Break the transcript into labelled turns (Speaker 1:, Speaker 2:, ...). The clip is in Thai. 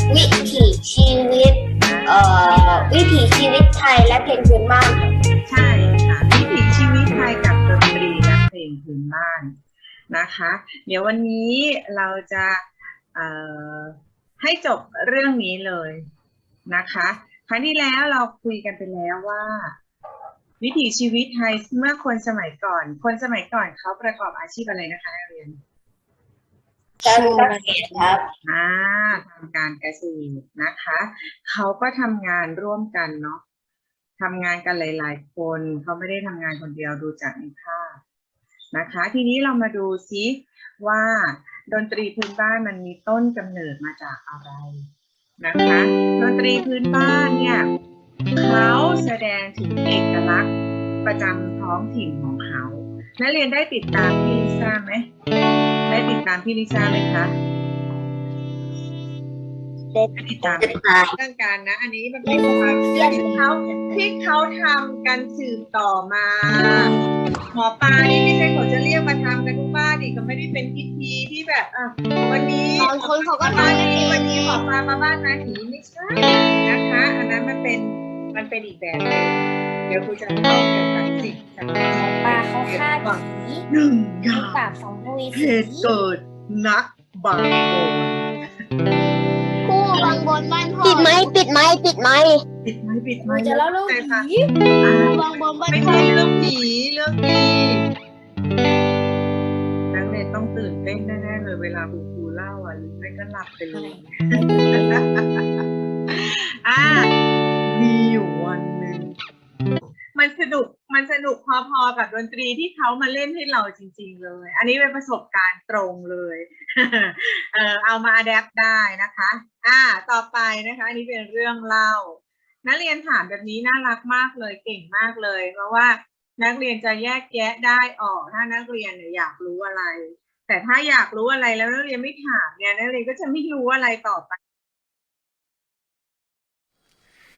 Speaker 1: วิถีชีวิตวิถีชีวิตไทยและเพลงพื้นบ้าน
Speaker 2: ใช่ค่ะวิถีชีวิตไทยกับดนตรีและเพลงพื้นบ้านนะคะเดี๋ยววันนี้เราจะให้จบเรื่องนี้เลยนะคะครั้งที่แล้วเราคุยกันไปแล้วว่าวิถีชีวิตไทยเมื่อคนสมัยก่อนเขาประกอบอาชีพอะไรนะคะนักเรียน
Speaker 1: การเกษตรครับ
Speaker 2: ทำการเกษตรนะคะเขาก็ทำงานร่วมกันเนาะทำงานกันหลายๆคนเขาไม่ได้ทำงานคนเดียวดูจากในภาพนะคะทีนี้เรามาดูซิว่าดนตรีพื้นบ้านมันมีต้นกำเนิดมาจากอะไรนะคะดนตรีพื้นบ้านเนี่ยเขาแสดงถึงเอกลักษณ์ประจำท้องถิ่นของเขานักเรียนได้ติดตามพี่ลิซ่าไหมได้ติดตามพี่ลิซ่าไหมคะได้ติดตามเรื่องการนะอันนี้มันเป็นความเชื่อที่เขาทำกันสืบต่อมาหมอปลานี่ไม่ใช่เขาจะเรียกมาทำกันทุกบ้านนี่ก็ไม่ได้เป็นพิธีที่แบบวันนี้
Speaker 1: บางคนเขาก็ทำกันเอง
Speaker 2: วันนี้หมอปลามาบ้านนาหีไม่ใช่นะคะอันนั้นมันเป็นอีกแบบนึงเดี๋ยวครูจะเล่าเกี่ยวกับสิ่งต่างๆ
Speaker 1: ปลาเขาฆ่าผี
Speaker 2: หนึ่งอย่าง
Speaker 1: ปราบสัมภเวสี
Speaker 2: เหตุเกิดณบางโอน
Speaker 1: ผู้บางบนบ้านพ่อปิดไหมจะเล่าเรื่องผีบางบนบ้าน
Speaker 2: ไม่ใช่เรื่องผีเรื่องดีนักเรียนต้องตื่นเต้นแน่ๆเลยเวลาครูเล่าหรือไม่ก็หลับไปเลยมีอยู่วันหนึ่งมันสนุกพอๆกับดนตรีที่เขามาเล่นให้เราจริงๆเลยอันนี้เป็นประสบการณ์ตรงเลยเอามาอะแดปได้นะคะต่อไปนะคะอันนี้เป็นเรื่องเล่านักเรียนถามแบบนี้น่ารักมากเลยเก่งมากเลยเพราะว่านักเรียนจะแยกแยะได้ออกถ้านักเรียนเนี่ยอยากรู้อะไรแต่ถ้าอยากรู้อะไรแล้วนักเรียนไม่ถามเนี่ยนักเรียนก็จะไม่รู้อะไรต่อไป